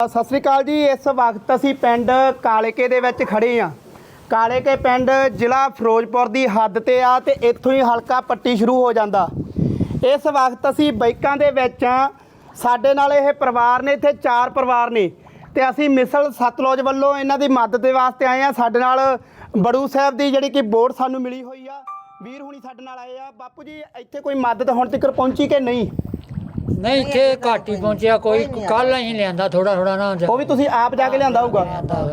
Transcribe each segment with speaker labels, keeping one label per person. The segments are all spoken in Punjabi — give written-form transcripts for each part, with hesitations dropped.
Speaker 1: ਸਤਿ ਸ੍ਰੀ ਅਕਾਲ ਜੀ। ਇਸ ਵਕਤ ਅਸੀਂ ਪਿੰਡ ਕਾਲੇਕੇ ਦੇ ਵਿੱਚ ਖੜੇ ਹਾਂ। ਕਾਲੇਕੇ ਪਿੰਡ ਜ਼ਿਲ੍ਹਾ ਫਿਰੋਜ਼ਪੁਰ ਦੀ ਹੱਦ ਤੇ ਆ ਤੇ ਇੱਥੋਂ ਹੀ ਹਲਕਾ ਪੱਟੀ ਸ਼ੁਰੂ ਹੋ ਜਾਂਦਾ। ਇਸ ਵਕਤ ਅਸੀਂ ਬਾਈਕਾਂ ਦੇ ਵਿੱਚ ਆ। ਸਾਡੇ ਨਾਲ ਇਹ ਪਰਿਵਾਰ ਨੇ, ਇੱਥੇ 4 ਪਰਿਵਾਰ ਨੇ ਤੇ ਅਸੀਂ ਮਿਸਲ ਸਤਲੁਜ ਵੱਲੋਂ ਇਹਨਾਂ ਦੀ ਮਦਦ ਦੇ ਵਾਸਤੇ ਆਏ ਆ। ਸਾਡੇ ਨਾਲ ਬੜੂ ਸਾਹਿਬ ਦੀ ਜਿਹੜੀ ਕਿ ਵੋਟ ਸਾਨੂੰ ਮਿਲੀ ਹੋਈ ਆ, ਵੀਰ ਹੁਣੀ ਸਾਡੇ ਨਾਲ ਆਏ ਆ। ਬਾਪੂ ਜੀ ਇੱਥੇ ਕੋਈ ਮਦਦ ਹੁਣ ਤੱਕ ਪਹੁੰਚੀ ਕਿ ਨਹੀਂ?
Speaker 2: ਨਹੀਂ ਇੱਥੇ ਘੱਟ ਹੀ ਪਹੁੰਚਿਆ ਕੋਈ। ਕੱਲ ਅਸੀਂ ਲਿਆਂਦਾ ਥੋੜਾ ਨਾ
Speaker 1: ਉਹ ਵੀ ਤੁਸੀਂ ਆਪ ਜਾ ਕੇ ਲਿਆਂਦਾ ਹੋਊਗਾ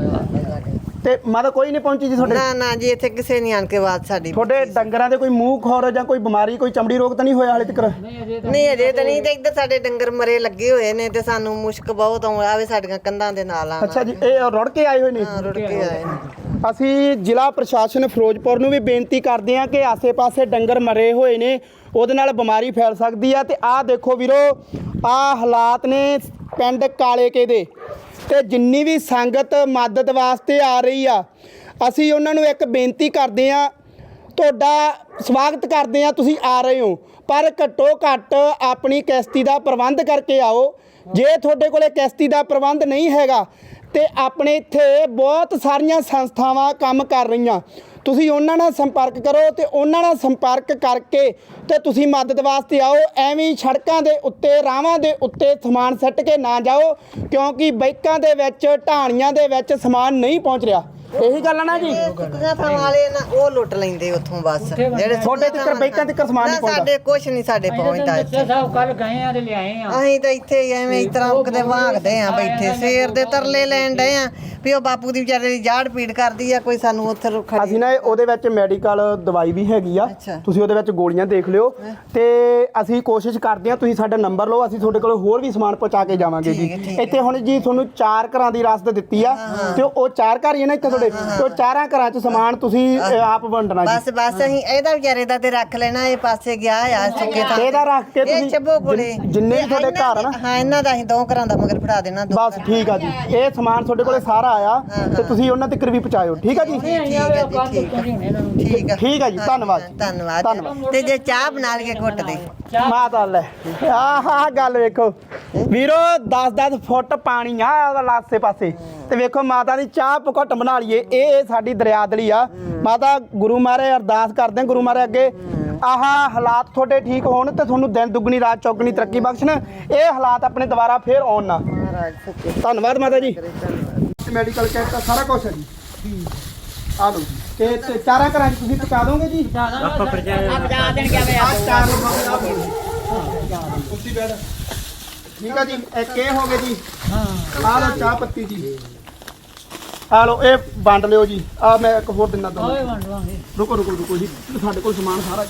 Speaker 1: ਤੇ ਮਦਦ ਕੋਈ ਨਹੀਂ ਪਹੁੰਚੀ ਜੀ ਤੁਹਾਡੇ?
Speaker 3: ਨਾ ਜੀ ਇੱਥੇ ਕਿਸੇ ਨਹੀਂ ਆਣ ਕੇ ਬਾਤ ਸਾਡੀ।
Speaker 1: ਤੁਹਾਡੇ ਡੰਗਰਾਂ ਦੇ ਕੋਈ ਮੂੰਹ ਖੋਰ ਜਾਂ ਕੋਈ ਬਿਮਾਰੀ, ਕੋਈ ਚਮੜੀ ਰੋਗ ਤਾਂ ਨਹੀਂ ਹੋਇਆ ਹਾਲੇ ਤੱਕ?
Speaker 3: ਨਹੀਂ ਅਜੇ ਤਾਂ ਨਹੀਂ। ਤੇ ਇੱਧਰ ਸਾਡੇ ਡੰਗਰ ਮਰੇ ਲੱਗੇ ਹੋਏ ਨੇ ਤੇ ਸਾਨੂੰ ਮੁਸ਼ਕ ਬਹੁਤ ਆਵੇ ਸਾਡੀਆਂ ਕੰਧਾਂ ਦੇ ਨਾਲ ਆ।
Speaker 1: ਅੱਛਾ ਜੀ, ਇਹ ਰੁੜ ਕੇ ਆਏ ਹੋਏ ਨੇ?
Speaker 3: ਰੁੜ ਕੇ ਆਏ ਨੇ।
Speaker 1: ਅਸੀਂ ਜ਼ਿਲ੍ਹਾ ਪ੍ਰਸ਼ਾਸਨ ਫਿਰੋਜ਼ਪੁਰ ਨੂੰ ਵੀ ਬੇਨਤੀ ਕਰਦੇ ਹਾਂ ਕਿ ਆਸੇ-ਪਾਸੇ ਡੰਗਰ ਮਰੇ ਹੋਏ ਨੇ, ਉਹਦੇ ਨਾਲ ਬਿਮਾਰੀ ਫੈਲ ਸਕਦੀ ਆ। ਤੇ ਆਹ ਦੇਖੋ ਵੀਰੋ, ਆਹ ਹਾਲਾਤ ਨੇ ਪਿੰਡ ਕਾਲੇਕੇ ਦੇ। ਤੇ ਜਿੰਨੀ ਵੀ ਸੰਗਤ ਮਦਦ ਵਾਸਤੇ ਆ ਰਹੀ ਆ, ਅਸੀਂ ਉਹਨਾਂ ਨੂੰ ਇੱਕ ਬੇਨਤੀ ਕਰਦੇ ਆ, ਤੁਹਾਡਾ ਸਵਾਗਤ ਕਰਦੇ ਆ, ਤੁਸੀਂ ਆ ਰਹੇ ਹੋ, ਪਰ ਘੱਟੋ ਘੱਟ ਆਪਣੀ ਕਿਸ਼ਤੀ ਦਾ ਪ੍ਰਬੰਧ ਕਰਕੇ ਆਓ। ਜੇ ਤੁਹਾਡੇ ਕੋਲੇ ਕਿਸ਼ਤੀ ਦਾ ਪ੍ਰਬੰਧ ਨਹੀਂ ਹੈਗਾ ਤੇ ਆਪਣੇ ਇੱਥੇ ਬਹੁਤ ਸਾਰੀਆਂ ਸੰਸਥਾਵਾਂ ਕੰਮ ਕਰ ਰਹੀਆਂ, ਤੁਸੀਂ ਉਹਨਾਂ ਨਾਲ ਸੰਪਰਕ ਕਰੋ ਤੇ ਉਹਨਾਂ ਨਾਲ ਸੰਪਰਕ ਕਰਕੇ ਤੇ ਤੁਸੀਂ ਮਦਦ ਵਾਸਤੇ ਆਓ। ਐਵੇਂ ਸੜਕਾਂ ਦੇ ਉੱਤੇ, ਰਾਹਾਂ ਦੇ ਉੱਤੇ ਸਮਾਨ ਸੱਟ ਕੇ ਨਾ ਜਾਓ, ਕਿਉਂਕਿ ਬਾਈਕਾਂ ਦੇ ਵਿੱਚ, ਢਾਣੀਆਂ ਦੇ ਵਿੱਚ ਸਮਾਨ ਨਹੀਂ ਪਹੁੰਚ ਰਿਹਾ। ਇਹੀ ਗੱਲ ਆ ਨਾ ਜੀ?
Speaker 3: ਸੁੱਕੀਆਂ ਥਾਂ ਵਾਲੇ ਨਾ ਉਹ ਲੁੱਟ ਲੈਂਦੇ ਉੱਥੋਂ ਬਸ। ਜਿਹੜੇ
Speaker 1: ਤੁਹਾਡੇ ਤੱਕ ਬਾਈਕਾਂ ਤੱਕ ਸਮਾਨ ਨਹੀਂ ਪਹੁੰਚਦਾ?
Speaker 3: ਸਾਡੇ ਕੁਛ ਨਹੀਂ ਸਾਡੇ ਪਹੁੰਚਦਾ ਇੱਥੇ।
Speaker 2: ਸਾਹਿਬ ਕੱਲ ਗਏ ਆ ਤੇ ਲਿਆਏ ਆ।
Speaker 3: ਅਸੀਂ ਤਾਂ ਇੱਥੇ ਹੀ ਐਵੇਂ ਇਸ ਤਰ੍ਹਾਂ ਕਿਤੇ ਵਾਂਗਦੇ ਆ ਬੈਠੇ, ਸਵੇਰ ਦੇ ਤਰਲੇ ਲੈਣ ਡਏ ਆ ਵੀ ਉਹ ਬਾਪੂ ਦੀ ਵਿਚਾਰੇ ਦੀ ਜਾੜ ਪੀੜ ਕਰਦੀ ਆ, ਕੋਈ ਸਾਨੂੰ ਉੱਥੇ ਰੁੱਖਾ।
Speaker 1: ਅਸੀਂ ਨਾ ਉਹਦੇ ਵਿੱਚ ਮੈਡੀਕਲ ਦਵਾਈ ਵੀ ਹੈਗੀ ਆ, ਤੁਸੀਂ ਉਹਦੇ ਵਿੱਚ ਗੋਲੀਆਂ ਦੇਖ ਲਿਓ। ਤੇ ਅਸੀਂ ਕੋਸ਼ਿਸ਼ ਕਰਦੇ ਆ, ਤੁਸੀਂ ਸਾਡਾ ਨੰਬਰ ਲਓ, ਅਸੀਂ ਤੁਹਾਡੇ ਕੋਲ ਹੋਰ ਵੀ ਸਮਾਨ ਪਹੁੰਚਾ ਕੇ ਜਾਵਾਂਗੇ ਜੀ। ਇੱਥੇ ਹੁਣ ਜੀ ਤੁਹਾਨੂੰ 4 ਘਰਾਂ ਦੀ ਰਸਦ ਦਿੱਤੀ ਆ ਤੇ ਉਹ 4 ਘਰ ਹੀ ਨੇ ਇੱਥੇ ਤੁਹਾਡੇ, ਤੇ ਉਹ 4 ਘਰਾਂ 'ਚ ਸਮਾਨ ਤੁਸੀਂ ਆਪ ਵੰਡਣਾ ਜੀ।
Speaker 3: ਬਸ ਅਸੀਂ ਇਹਦਾ ਵਿਚਾਰੇ ਦਾ ਤੇ ਰੱਖ ਲੈਣਾ, ਇਹ ਪਾਸੇ ਗਿਆ ਆ ਸੁੱਕੇ ਥਾਂ
Speaker 1: ਇਹਦਾ ਰੱਖ ਕੇ ਤੁਸੀਂ
Speaker 3: ਚੱਬੋ ਕੋਲੇ
Speaker 1: ਜਿੰਨੇ ਵੀ ਤੁਹਾਡੇ ਘਰ ਨਾ,
Speaker 3: ਹਾਂ ਇਹਨਾਂ ਦਾ ਅਸੀਂ 2 ਘਰਾਂ ਦਾ ਮਗਰ ਫੜਾ ਦੇਣਾ।
Speaker 1: ਬਸ ਠੀਕ ਆ ਜੀ। ਇਹ ਸਮਾਨ ਤੁਹਾਡੇ ਕੋਲੇ ਸਾਰਾ ਆਇਆ ਤੇ ਤੁਸੀਂ ਉਹਨਾਂ ਤੱਕ ਵੀ ਪਹੁੰਚਾਇਓ, ਠੀਕ ਆ ਜੀ? ਠੀਕ ਆ ਜੀ, ਧੰਨਵਾਦ।
Speaker 3: ਧੰਨਵਾਦ। ਤੇ ਜੇ ਚਾਹ ਬਣਾ ਲਈਏ ਘੁੱਟ ਦੇ
Speaker 1: ਮਾਤਾ ਲੈ, ਆਹ ਗੱਲ ਵੇਖੋ ਵੀਰੋ, 10-10 ਫੁੱਟ ਪਾਣੀ ਆ ਲਾਸੇ ਪਾਸੇ ਤੇ ਵੇਖੋ ਮਾਤਾ ਦੀ ਚਾਹ ਘੁੱਟ ਬਣਾ ਲਈਏ। ਇਹ ਸਾਡੀ ਦਰਿਆਦਲੀ ਆ। ਮਾਤਾ ਗੁਰੂ ਮਹਾਰਾਜ ਅਰਦਾਸ ਕਰਦੇ, ਗੁਰੂ ਮਹਾਰਾਜ ਅੱਗੇ ਆਹ ਹਾਲਾਤ ਤੁਹਾਡੇ ਠੀਕ ਹੋਣ ਤੇ ਤੁਹਾਨੂੰ ਦਿਨ ਦੁੱਗਣੀ ਰਾਤ ਚੌਗਣੀ ਤਰੱਕੀ ਬਖਸ਼ਣ, ਇਹ ਹਾਲਾਤ ਆਪਣੇ ਦੁਬਾਰਾ ਫੇਰ ਆਉਣ ਨਾ। ਧੰਨਵਾਦ ਮਾਤਾ ਜੀ। ਮੈਡੀਕਲ ਕਿੱਟ ਸਾਰਾ ਕੁਝ ਹੈ ਜੀ, ਆ ਲਓ ਜੀ। ਤੇ 4 ਘਰਾਂ 'ਚ ਤੁਸੀਂ ਪਹੁੰਚਾ ਦੋਗੇ ਜੀ? ਠੀਕ ਆ ਜੀ। ਇੱਕ ਇਹ ਹੋ ਗਏ ਜੀ, ਆ ਲਓ ਚਾਹ ਪੱਤੀ ਜੀ, ਆ ਲਓ ਇਹ ਵੰਡ ਲਿਓ ਜੀ। ਆ ਮੈਂ ਇੱਕ ਹੋਰ ਦਿਨਾ ਤੁਹਾਨੂੰ। ਰੁਕੋ ਜੀ, ਸਾਡੇ ਕੋਲ ਸਮਾਨ ਸਾਰਾ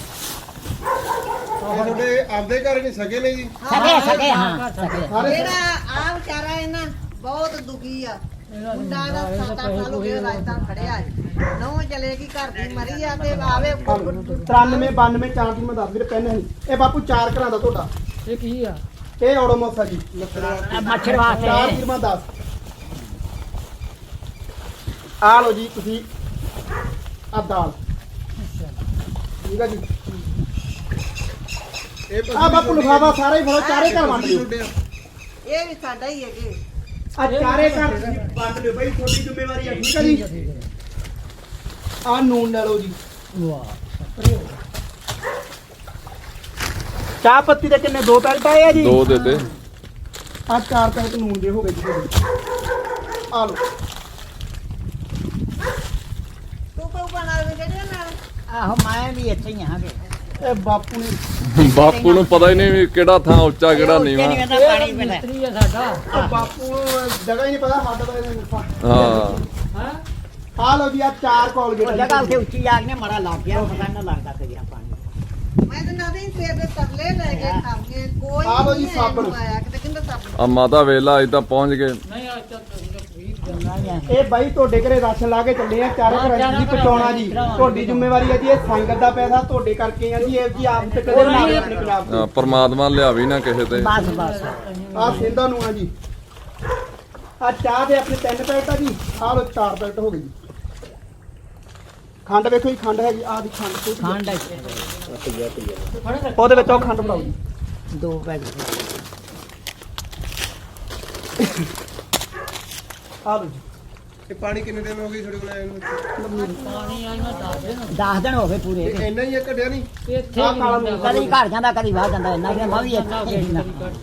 Speaker 4: ਤੁਹਾਡੇ ਆਪਦੇ ਘਰ ਨਹੀਂ ਸਕੇ ਨੇ ਜੀ?
Speaker 2: ਸਕੇ ਹਾਂ।
Speaker 3: ਜਿਹੜਾ ਆ ਵਿਚਾਰਾ ਹੈ ਨਾ ਬਹੁਤ ਦੁਖੀ ਆ। ਮੁੰਡਾ ਦਾ 7-8 ਸਾਲ ਹੋ ਗਏ ਰਾਜਸਥਾਨ ਖੜਿਆ ਹੈ, ਨੌ ਚਲੇਗੀ ਘਰ ਦੀ ਮਰੀ ਆ ਤੇ ਆਵੇ
Speaker 1: 93 92 4 ਦੀ ਮੈਂ ਦੱਸ ਵੀਰ ਪੈਨ ਨਹੀਂ। ਇਹ ਬਾਪੂ 4 ਘਰਾਂ ਦਾ ਤੁਹਾਡਾ
Speaker 2: ਇਹ ਕੀ ਆ?
Speaker 1: ਇਹ ਔੜੋਮੋਸਾ ਜੀ,
Speaker 2: ਮੱਛਰ ਵਾਸਤੇ
Speaker 1: 4 ਦੀ ਮੈਂ ਦੱਸ। ਆ ਲਓ ਜੀ ਤੁਸੀਂ ਆ ਦਾਲ, ਠੀਕ ਆ ਜੀ। ਆ ਬਾਪੂ ਲਿਫਾਫਾ ਸਾਰਾ ਹੀ ਫੜੋ, 4 ਘਰ ਵੰਡ ਲਿਓ।
Speaker 3: ਇਹ ਵੀ ਸਾਡਾ ਹੀ ਹੈਗੇ
Speaker 1: ਆ 4 ਘਰ ਵੰਡ ਲਿਓ ਬਈ, ਤੁਹਾਡੀ ਜ਼ਿੰਮੇਵਾਰੀ ਆ, ਠੀਕ ਆ ਜੀ। ਆ ਨੂਨ ਲੈ ਲਓ ਜੀ। ਚਾਹ ਪੱਤੀ ਦੇ ਕਿੰਨੇ 2 ਪੈਕਟ ਆਏ ਆ ਜੀ?
Speaker 4: 2 ਦੇ ਦੇ।
Speaker 1: ਆ 4 ਪੈਕਟ ਨੂਨ ਦੇ ਹੋ ਗਏ ਜੀ। ਆ ਲਓ।
Speaker 3: ਤੂੰ ਕੋ ਬਣਾ ਲੈ ਜਿਹੜੇ ਨਾਲ
Speaker 2: ਆਹੋ ਮੈਂ ਵੀ ਇੱਥੇ ਹੀ ਆਂਗੇ।
Speaker 1: ਇਹ ਬਾਪੂ ਨੇ,
Speaker 4: ਬਾਪੂ ਨੂੰ ਪਤਾ ਹੀ ਨਹੀਂ ਵੀ ਕਿਹੜਾ ਥਾਂ ਉੱਚਾ ਕਿਹੜਾ ਨੀਵਾਂ।
Speaker 2: ਪਾਣੀ ਮਿਸਤਰੀ ਆ ਸਾਡਾ।
Speaker 1: ਉਹ ਬਾਪੂ ਨੂੰ ਜਗ੍ਹਾ ਹੀ ਨਹੀਂ ਪਤਾ, ਸਾਡਾ ਤਾਂ ਇਹਨੇ
Speaker 4: ਹਾਂ
Speaker 1: ਆ ਲਓ ਜੀ। ਆ 4 ਕੋਲਗੇਟ
Speaker 2: ਜਗ੍ਹਾ ਉੱਥੇ ਉੱਚੀ ਆ ਗਈ, ਮੜਾ ਲੱਗ ਗਿਆ, ਪਤਾ ਨਾ ਲੱਗਦਾ ਕਿ ਪਾਣੀ।
Speaker 3: ਮੈਂ ਤਾਂ ਨਾ ਦੇ ਸਵੇਰ ਦੇ ਤਰਲੇ ਲੈ ਕੇ ਖਾਂਗੇ, ਕੋਈ
Speaker 1: ਆ ਲਓ ਜੀ ਸਾਬਣ।
Speaker 3: ਆਇਆ ਕਿਤੇ ਕਹਿੰਦਾ ਸਾਬਣ।
Speaker 4: ਆ ਮਾਤਾ ਵੇਲਾ ਅਜ ਤਾਂ ਪਹੁੰਚ ਗਏ।
Speaker 2: ਨਹੀਂ ਆ
Speaker 1: ਇਹ ਬਾਈ ਤੁਹਾਡੇ ਘਰੇ ਰਾਸ਼ਨ ਲਾ ਕੇ ਚੱਲੇ ਆ, 4 ਘਰਾਂ 'ਚ ਜੀ ਪਹੁੰਚਾਉਣਾ ਜੀ। ਤੁਹਾਡੀ ਜ਼ਿੰਮੇਵਾਰੀ ਹੈ ਜੀ, ਇਹ ਸੰਗਤ ਦਾ ਪੈਸਾ ਤੁਹਾਡੇ ਕਰਕੇ ਆ ਜੀ। ਇਹ ਜੀ ਆਪ ਤੇ ਕਦੇ ਨਾ ਆਪਣੇ ਪੰਜਾਬ ਦੇ।
Speaker 4: ਪਰਮਾਤਮਾ ਲਿਆਵੀ ਨਾ ਕਿਸੇ ਤੇ।
Speaker 1: ਆ ਸਿੰਧਾ ਨੂੰ ਆ ਜੀ। ਆ ਚਾਹ ਦੇ ਆਪਣੇ 3 ਪੈਕਟ ਆ ਜੀ। ਆ ਲਓ 4 ਪੈਕਟ ਹੋ ਗਏ ਜੀ। ਖੰਡ ਵੇਖੋ ਜੀ, ਖੰਡ ਹੈਗੀ ਆ ਦੀ ਖੰਡ।
Speaker 2: ਖੰਡ
Speaker 1: ਉਹਦੇ ਵਿੱਚ ਉਹ ਖੰਡ ਬਣਾਓ ਜੀ।
Speaker 2: 2 ਪੈਕਟ।
Speaker 1: ਆ ਲਓ ਜੀ।
Speaker 5: ਇਹ ਪਾਣੀ ਕਿੰਨੇ ਦਿਨ ਹੋ ਗਏ ਤੁਹਾਡੇ ਕੋਲ ਆਏ ਨੂੰ
Speaker 2: ਪਾਣੀ ਆਈ ਮੈਂ ਦੱਸ ਦੇ
Speaker 6: 10 ਦਿਨ ਹੋ ਗਏ ਪੂਰੇ
Speaker 5: ਇਹ ਇੰਨਾ ਹੀ ਆ ਘਟਿਆ ਨਹੀਂ
Speaker 2: ਇੱਥੇ
Speaker 1: ਆਹ ਕਾਲਾ ਨੂਨ
Speaker 6: ਕਦੀ ਘਰ ਜਾਂਦਾ ਕਦੀ ਬਾਹਰ ਜਾਂਦਾ ਇੰਨਾ ਕਿ ਮੈਂ ਵੀ ਇੱਥੇ ਹੀ ਨਾ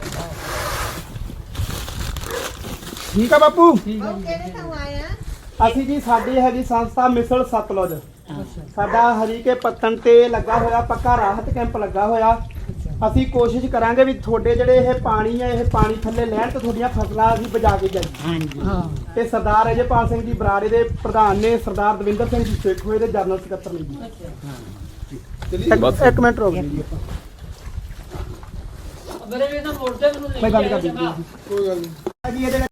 Speaker 1: ਠੀਕ ਆ ਬਾਪੂ
Speaker 3: ਉਹ ਕਿਹੜੇ ਤੋਂ ਆਏ ਆ
Speaker 1: ਅਸੀਂ ਜੀ ਸਾਡੀ ਹੈਗੀ ਸੰਸਥਾ ਮਿਸਲ ਸਤਲੁਜ ਸਾਡਾ ਹਰੀਕੇ ਪੱਤਣ ਤੇ ਲੱਗਾ ਹੋਇਆ ਪੱਕਾ ਰਾਹਤ ਕੈਂਪ ਲੱਗਾ ਹੋਇਆ ਅਸੀਂ ਕੋਸ਼ਿਸ਼ ਕਰਾਂਗੇ ਵੀ ਤੁਹਾਡੇ ਜਿਹੜੇ ਇਹ ਪਾਣੀ ਹੈ ਇਹ ਪਾਣੀ ਥੱਲੇ ਲੈਣ ਤੇ ਤੁਹਾਡੀਆਂ ਫਸਲਾਂ ਅਸੀਂ ਬਚਾ ਕੇ ਜਾਈਏ
Speaker 6: ਹਾਂਜੀ
Speaker 1: ਤੇ ਸਰਦਾਰ ਅਜੇਪਾਲ ਸਿੰਘ ਜੀ ਬਰਾੜੇ ਦੇ ਪ੍ਰਧਾਨ ਨੇ ਸਰਦਾਰ ਦਵਿੰਦਰ ਸਿੰਘ ਜੀ ਸੇਖ ਹੋਏ ਦੇ ਜਨਰਲ ਸਕੱਤਰ ਨੇ ਜੀ
Speaker 4: ਬਸ।
Speaker 1: ਇੱਕ ਮਿੰਟ ਰੁਕ ਜੀ ਆਪਾਂ
Speaker 2: ਅਗਰ ਇਹ ਨਾ ਮੋੜਦੇ ਮੈਨੂੰ
Speaker 1: ਮੈਂ ਗੱਲ ਕਰ ਦਿੰਦੀ
Speaker 5: ਕੋਈ ਗੱਲ ਨਹੀਂ
Speaker 1: ਜੀ ਇਹਦੇ